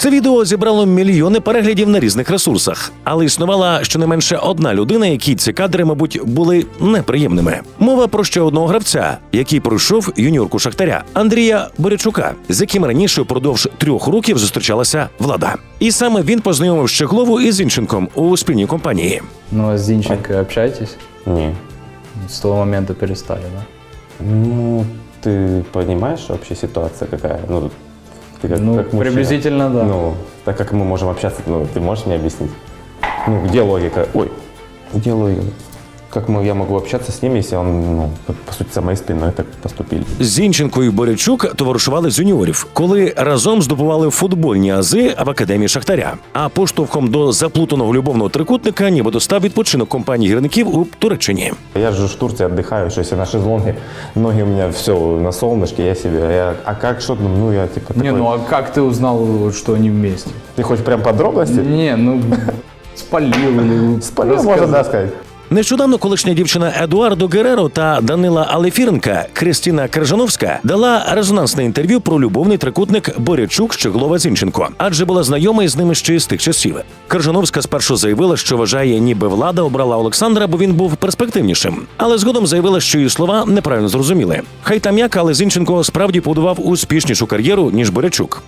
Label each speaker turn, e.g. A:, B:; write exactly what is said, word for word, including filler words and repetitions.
A: Це відео зібрало мільйони переглядів на різних ресурсах, але існувала щонайменше одна людина, якій ці кадри, мабуть, були неприємними. Мова про ще одного гравця, який пройшов юніорку Шахтаря – Андрія Борячука, з яким раніше впродовж трьох років зустрічалася Влада. І саме він познайомив Щеглову із Зінченком у спільній компанії.
B: Ну, а с Зинченко общаетесь?
C: Не.
B: С того момента перестали, да?
C: Ну, ты понимаешь вообще ситуация какая? Ну, ты как,
B: Ну,
C: как мужчина.
B: приблизительно, да.
C: Ну, так как мы можем общаться, ну, ты можешь мне объяснить? Ну, где логика? Ой, где логика? Как мы, я могу общаться с ним, если он, ну, по сути, за моей спиной так поступили?
A: Зінченко і Борячук товаришували з юніорів, коли разом здобували футбольні ази в академії Шахтаря. А поштовхом до заплутаного любовного трикутника нібито став відпочинок компанії гірників у Туреччині.
C: Я же в Турции отдыхаю, что если на шезлонге, ноги у меня все на солнышке, я себе, я, а как, что, ну, я типа такой...
B: Не, ну а как ты узнал, что они вместе?
C: Ты хочешь прям подробности?
B: Не, ну спалил или
C: Спалил,
B: рассказал.
C: можно, да, сказать.
A: Нещодавно колишня дівчина Едуардо Гереро та Данила Алефіренка Кристина Крижановська дала резонансне інтерв'ю про любовний трикутник Борячук, Щеглова, Зінченко, адже була знайома із ними ще з тих часів. Крижановська спершу заявила, що вважає, ніби Влада обрала Олександра, бо він був перспективнішим. Але згодом заявила, що її слова неправильно зрозуміли. Хай там як, але Зінченко справді побудував успішнішу кар'єру, ніж Борячук.